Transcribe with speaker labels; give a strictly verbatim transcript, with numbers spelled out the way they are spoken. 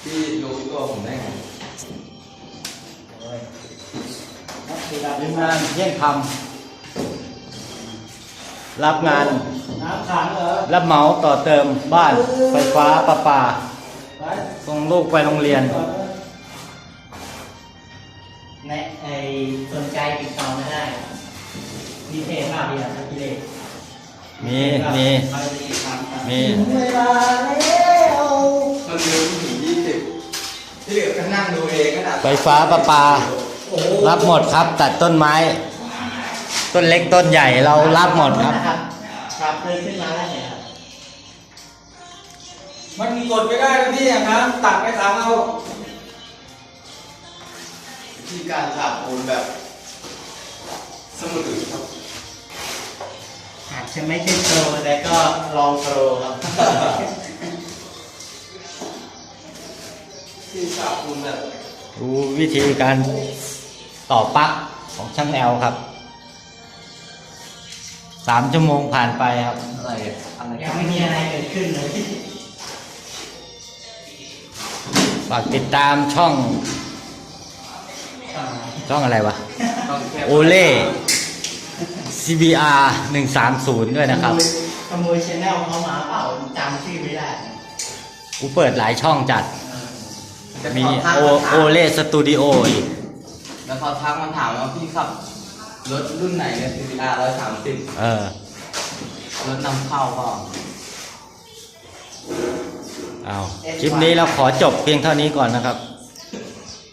Speaker 1: พี่รู้ตัวผมได้ไง
Speaker 2: ทีมงานเยี่ยงทำรับงาน
Speaker 3: น้ำขังเหรอ
Speaker 2: รับเหมาต่อเติมบ้านไฟฟ้าประปาส่งลูกไปโรงเรียน
Speaker 3: ในไอสนใจติดต่อไม่ได้มีเพจมากดีอ่ะพี่เล็ก
Speaker 2: มีมีมี
Speaker 3: เวลาแล้ว
Speaker 1: มันเร็วถึงยี่สิบที่เหลือก็นั่งดูเองก็ได้
Speaker 2: ไฟฟ้าประปารับหมดครับตัดต้นไม้ต้นเล็กต้นใหญ่เรารับหมดครับ
Speaker 3: ครับเลยขึ้นมาแล้วเนี่ยครับ
Speaker 1: มันมีกดไม่ได้นะพี่อย่างนั้นตัดไปทางเอาที่การฉาบปูนแบบสมุดอื่นครับ
Speaker 3: อาจจะไม่ใช่โปรแต่ก็ลองโปรครับ
Speaker 1: ที่ฉาบปูนแบบ
Speaker 2: ดูวิธีการต่อปลั๊กของช่างแอลครับสามชั่วโมงผ่านไปครับ
Speaker 1: อะไรอะไร
Speaker 3: ยังไม่มีอะไรเกิดขึ้นเลย
Speaker 2: ฝากติดตามช่องช่องอะไรวะโอเล่ ซี บี อาร์ หนึ่งสามศูนย์ด้วยนะครับ
Speaker 3: ขโมยชแนลเขามาเปล่าจำชื่อไม่ได้
Speaker 2: กูเปิดหลายช่องจัดมีโอโอเล่สตูดิโออีก
Speaker 1: แล้วเขาทักมาถามว่าพี่ขับรถรุ่นไหนเนี่ย ซี บี อาร์ หนึ่งร้อยสามสิบ
Speaker 2: เออ
Speaker 1: รถนำเข้าก็
Speaker 2: เอาคลิปนี้เราขอจบเพียงเท่านี้ก่อนนะครับ